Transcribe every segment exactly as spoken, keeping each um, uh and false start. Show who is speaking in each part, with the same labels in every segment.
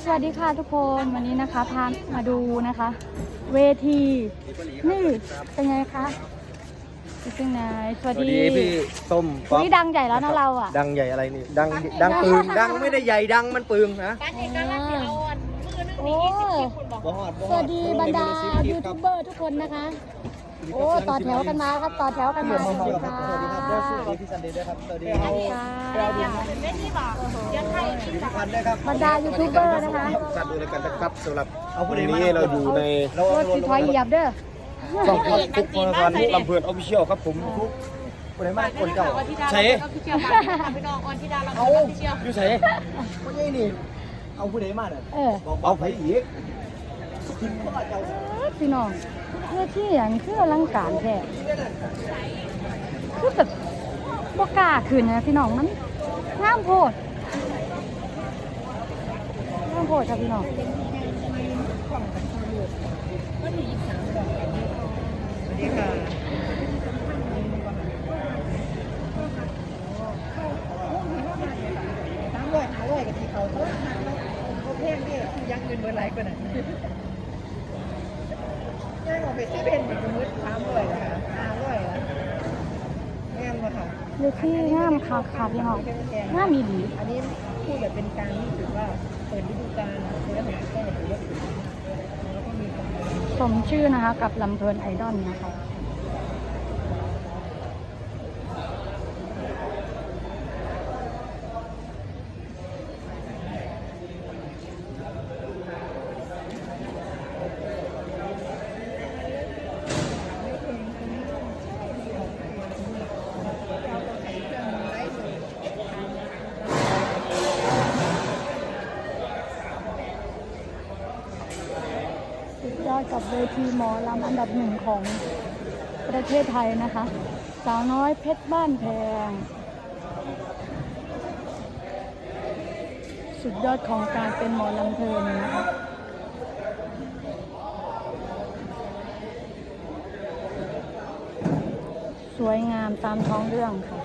Speaker 1: วัสดีค่ะทุกคนวันนี้นะคะพามาดูนะคะ เวทีนี่เป็นไงคะเป็นไงสวัสดี
Speaker 2: พี่ส้มป๊อป
Speaker 1: นี่ดังใหญ่แล้วนะเราอ่ะ
Speaker 2: ดังใหญ่อะไรนี่ดังดังปืนดังไม่ได้ใหญ่ดังมันปืนนะ
Speaker 1: โอ้สวัสดีบรรดายูทูบเบอร์ทุกคนนะคะโอ้ต่อแถวกันมาครับต่อแถวกันมาสวัสดีค่ะ
Speaker 2: สวัสดีครับสวัสดีพี่ซันเดย์ด้วยครับสวัสดีครับ
Speaker 1: บรรดายูทูบเบอร์นะคะ
Speaker 2: จัดดูเลยกันนะครับสำหรับวันนี้เราอยู่ใน
Speaker 1: รถสีถอยเหยียบเด้อ
Speaker 2: ช่องครับทุกคนทานลำเพลินออฟฟิเชียลครับผมทุกคนไหนมากคนเก่าใช่เอาอยู่ใช่คนนี้นี่เอาผู้ใดมาเนี่ย
Speaker 1: เออ
Speaker 2: เอาไผอีก
Speaker 1: พี่น้องเพื่อที่อย่างคืออลังการแท้คือแบบบ่กล้าขึ้นนะพี่น้องมันงามโพดงามโพดค่ะพี่น้อง
Speaker 3: ตั้งร้อยหาร้อยกับที่เขาเขาเขาเพ่งนี่ยักเงินเบอร์ไรก็ได้ย่างออกไปซื้อเป็นสมมติสามร้อยนะคะห้าร้อยละแง่มาค่ะ
Speaker 1: เลือที่งามค่ะค่ะพี่น้องงามมีดี
Speaker 3: อันนี้พูดแบบเป็นการรู้สึกว่าเปิดฤดูกาลนะคือแล้วผมก็ถือว่าแล้วก็มีความ
Speaker 1: สมชื่อนะคะกับลำเพลินไอดอลนะคะสุดยอดกับเวทีหมอลำอันดับหนึ่งของประเทศไทยนะคะสาวน้อยเพชรบ้านแพงสุดยอดของการเป็นหมอลำเพลินนะคะสวยงามตามท้องเรื่องค่ะ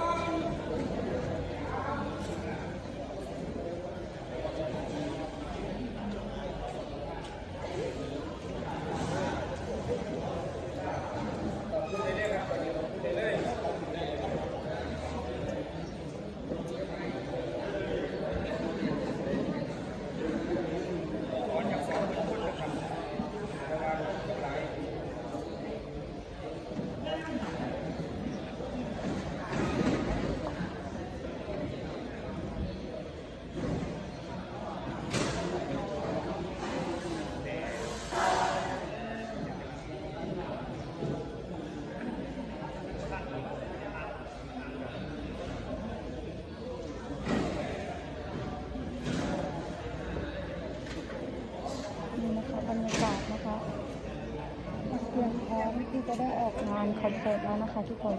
Speaker 1: นี่นะคะบรรยากาศนะคะเตรียมพร้อมที่จะได้ออกงานคอนเสิร์ตแล้วนะคะทุกคน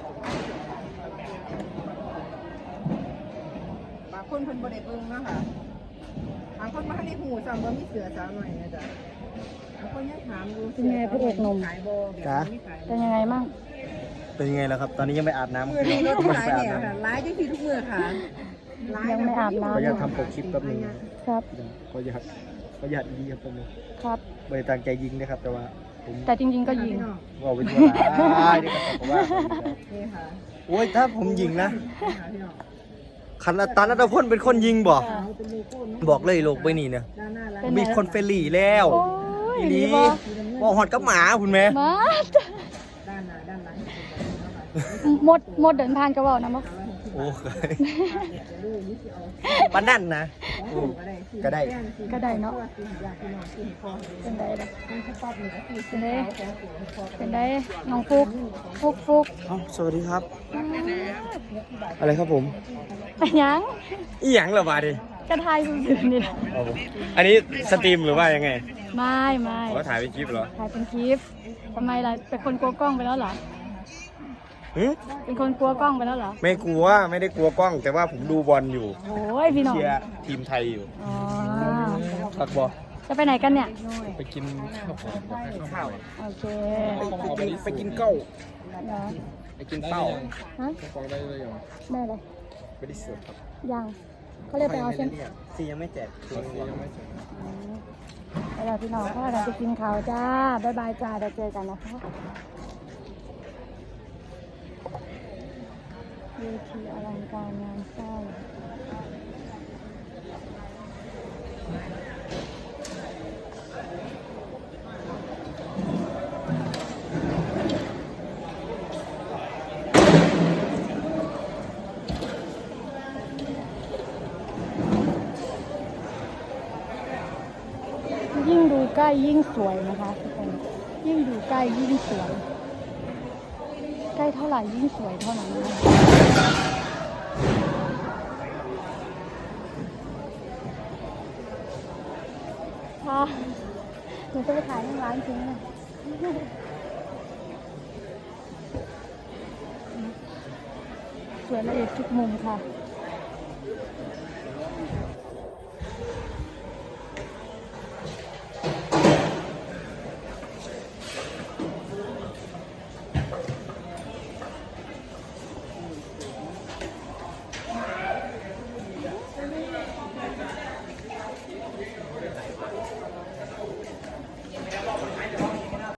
Speaker 3: บางคนเพิ่นบริเบิ้งนะคะบางคนมาให้ในหูสั่งว่ามีเสือสาวหน่อยนะจ๊ะบางคนยังถามดูขายโบ
Speaker 1: เป็นยังไงมั่ง
Speaker 2: เป็นยังไงแล้วครับตอนนี้ยังไม่อาบน้ำ
Speaker 3: มือนี้รถขายเนี่ยค่ะร้ายจังทีทุกมือค่ะ
Speaker 1: ยังไม่อาบน้ำ
Speaker 2: ก็อยากทำปกคลิปแป๊บนึง
Speaker 1: ครับ
Speaker 2: ก็อยากก็อยากยิงครับผม
Speaker 1: ครับ
Speaker 2: ไม่ได้ตั้งใจยิงนะครับแต่ว่าผม
Speaker 1: แต่จริงๆก็ยิง
Speaker 2: ว่าเป็นตัวร้ายนี่ครับผมว่า
Speaker 3: นี่ค่ะ
Speaker 2: โอ้ยถ้าผมยิงนะขันอัตานัทพลเป็นคนยิงบอกบอกเลยโลกไปนี่เนี่ย
Speaker 3: ด้านหน้าร้าน
Speaker 1: เป็นไง
Speaker 2: มีคนเฟรนลี่แล้ว
Speaker 1: โอ้ย
Speaker 2: อี
Speaker 1: ดี
Speaker 2: นี้
Speaker 1: บ่
Speaker 2: บอกหอดกับหมาคุณแม่
Speaker 1: มา
Speaker 3: ด้านหน้าด้านหลัง
Speaker 1: หมดหมดเดินผ่านกระบอกนะมั้ง
Speaker 2: โอ้ยบ้านนั่นนะก็ได้
Speaker 1: ก็ได้เนาะเป็นไดล่ะเป็นไดเป็นไดน้องฟุกฟุกฟุก
Speaker 2: เอ้าสวัสดีครับ อะไรครับผม
Speaker 1: ไปยัง
Speaker 2: อีหยังเหรอบาดิ
Speaker 1: กระทายซื่อๆนี่แหละ
Speaker 2: อันนี้สตรีมหรือว่ายังไง
Speaker 1: ไม่ไม่
Speaker 2: เขาถ่ายเป็นคลิปเหรอ
Speaker 1: ถ่ายเป็นคลิปทำไมล่ะเป็นคนกลัวกล้องไปแล้วเหรอ
Speaker 2: หึ
Speaker 1: เป็นคนกลัวกล้องไปแล้วเหรอ
Speaker 2: ไม่กลัวไม่ได้กลัวกล้อง แต่ว่าผมดูบอลอยู่
Speaker 1: โอ้ยพี่น้อง
Speaker 2: เชียร์ทีมไทยอยู่
Speaker 1: อ๋อ
Speaker 2: พักบอล
Speaker 1: จะไปไหนกันเนี่ย
Speaker 2: ไปกินข้าวข้าว
Speaker 1: โอเค
Speaker 2: ไปกินไปกินเก้า
Speaker 1: เดี๋ยว
Speaker 2: ไปกินเป้า
Speaker 1: ฮะ
Speaker 2: ฟังได้เลยเหรอ
Speaker 1: ได้เลย
Speaker 2: ไม่ได้เสิร์ฟครับ
Speaker 1: ยังเขาเรียกไปเอาใช่ไหม
Speaker 2: ซียังไม่แจกตัวซียังไม่แจก
Speaker 1: เวลาพี่น้องก็เราจะกินข้าวจ้าบ๊ายบายจ้าเดี๋ยวเจอกันนะคะเวทีอลังการงานสร้างยิ่งดูใกล้ยิ่งสวยนะคะทุกคนยิ่งดูใกล้ยิ่งสวยใกล้เท่าไหร่ยิ่งสวยเท่านั้นนะคะค่ะหนูจะไปขายในร้านจริงนะสวยละเอียดทุกมุมค่ะ